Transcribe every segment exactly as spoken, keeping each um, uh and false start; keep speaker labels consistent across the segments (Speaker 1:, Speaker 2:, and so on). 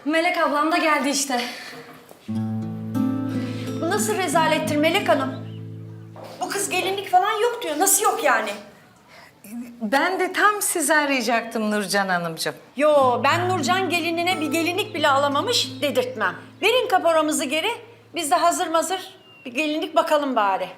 Speaker 1: Melek ablam da geldi işte.
Speaker 2: Bu nasıl rezalettir Melek Hanım? Bu kız gelinlik falan yok diyor. Nasıl yok yani?
Speaker 3: Ben de tam sizi arayacaktım Nurcan Hanımcığım.
Speaker 2: Yo, ben Nurcan gelinine bir gelinlik bile alamamış dedirtmem. Verin kaporamızı geri. Biz de hazır mazır bir gelinlik bakalım bari.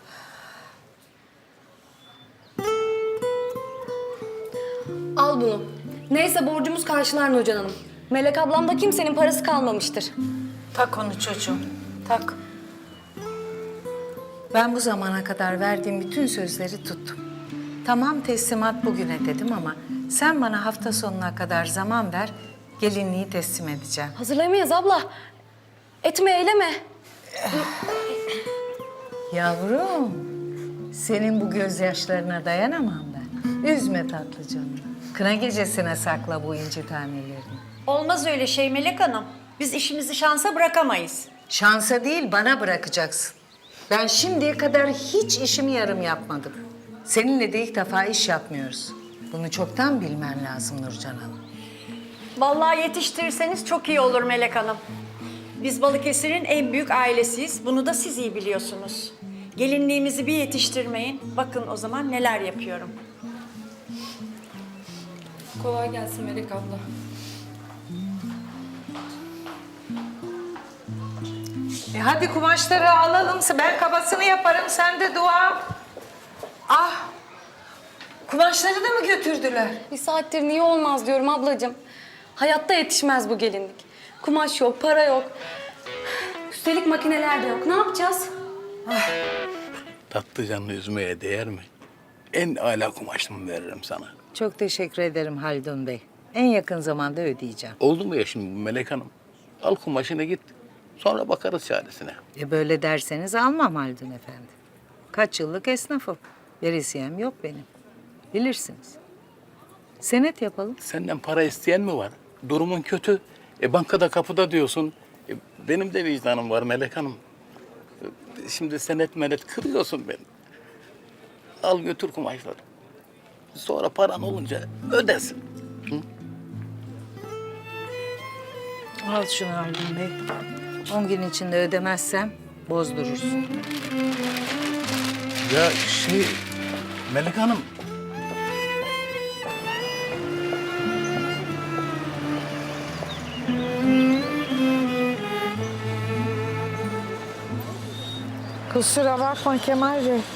Speaker 1: Al bunu. Neyse borcumuz karşılar Nurcan Hanım. Melek ablamda kimsenin parası kalmamıştır.
Speaker 3: Tak onu çocuğum, tak. Ben bu zamana kadar verdiğim bütün sözleri tuttum. Tamam teslimat bugüne dedim ama sen bana hafta sonuna kadar zaman ver, gelinliği teslim edeceğim.
Speaker 1: Hazırlayamayız abla. Etme eyleme.
Speaker 3: Yavrum, senin bu gözyaşlarına dayanamam ben. Üzme tatlı canını. Kına gecesine sakla bu inci tanelerini.
Speaker 2: Olmaz öyle şey Melek Hanım. Biz işimizi şansa bırakamayız.
Speaker 3: Şansa değil, bana bırakacaksın. Ben şimdiye kadar hiç işimi yarım yapmadım. Seninle de ilk defa iş yapmıyoruz. Bunu çoktan bilmen lazım Nurcan Hanım.
Speaker 2: Vallahi yetiştirirseniz çok iyi olur Melek Hanım. Biz Balıkesir'in en büyük ailesiyiz. Bunu da siz iyi biliyorsunuz. Gelinliğimizi bir yetiştirmeyin. Bakın o zaman neler yapıyorum.
Speaker 1: Kolay gelsin Melek abla.
Speaker 3: E hadi kumaşları alalım. Ben kabasını yaparım, sen de dua. Ah! Kumaşları da mı götürdüler?
Speaker 1: Bir saattir niye olmaz diyorum ablacığım. Hayatta yetişmez bu gelinlik. Kumaş yok, para yok. Üstelik makineler de yok. Ne yapacağız?
Speaker 4: Tatlı canlı üzmeye değer mi? En âlâ kumaşımı veririm sana.
Speaker 3: Çok teşekkür ederim Haldun Bey. En yakın zamanda ödeyeceğim.
Speaker 4: Oldu mu ya şimdi bu Melek Hanım? Al kumaşını git. Sonra bakarız çaresine.
Speaker 3: E böyle derseniz almam Haldun Efendi. Kaç yıllık esnafım. Verisiyem yok benim. Bilirsiniz. Senet yapalım.
Speaker 4: Senden para isteyen mi var? Durumun kötü. E bankada kapıda diyorsun. E, benim de vicdanım var Melek Hanım. E, şimdi senet menet kırıyorsun beni. Al götür kumaşları. Sonra paran olunca ödesin.
Speaker 3: Al şunu Haldun Bey. On gün içinde ödemezsem bozdurursun.
Speaker 4: Ya şey Melek Hanım.
Speaker 3: Kusura bakma Kemal Bey.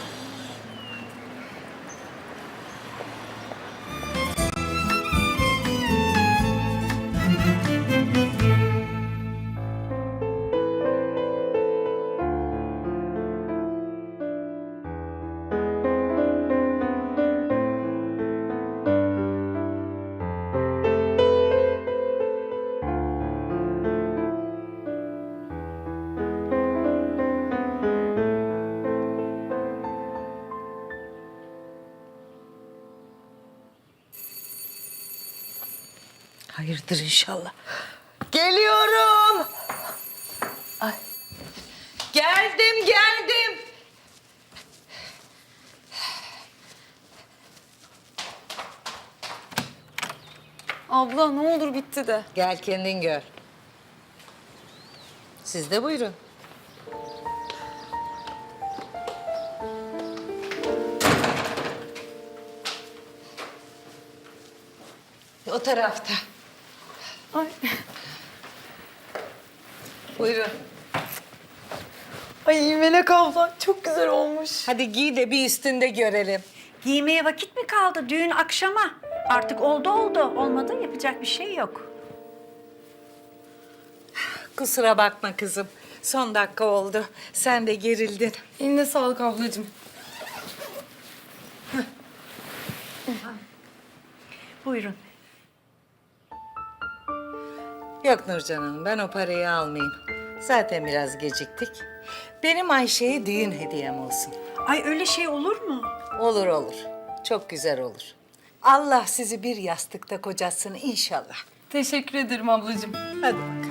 Speaker 3: Hayırdır inşallah. Geliyorum. Ay. Geldim, geldim.
Speaker 1: Abla ne olur bitti de.
Speaker 3: Gel kendin gör. Siz de buyurun. O tarafta.
Speaker 1: Ay.
Speaker 3: Buyurun.
Speaker 1: Ay Melek abla çok güzel olmuş.
Speaker 3: Hadi giy de bir üstünde görelim.
Speaker 2: Giymeye vakit mi kaldı? Düğün akşama. Artık oldu oldu. Olmadı yapacak bir şey yok.
Speaker 3: Kusura bakma kızım. Son dakika oldu. Sen de gerildin.
Speaker 1: Eline sağlık ablacığım.
Speaker 2: Buyurun.
Speaker 3: Yok Nurcan Hanım, ben o parayı almayayım. Zaten biraz geciktik. Benim Ayşe'ye düğün hediyem olsun.
Speaker 2: Ay öyle şey olur mu?
Speaker 3: Olur olur. Çok güzel olur. Allah sizi bir yastıkta kocatsın inşallah.
Speaker 1: Teşekkür ederim ablacığım.
Speaker 3: Hadi bakalım.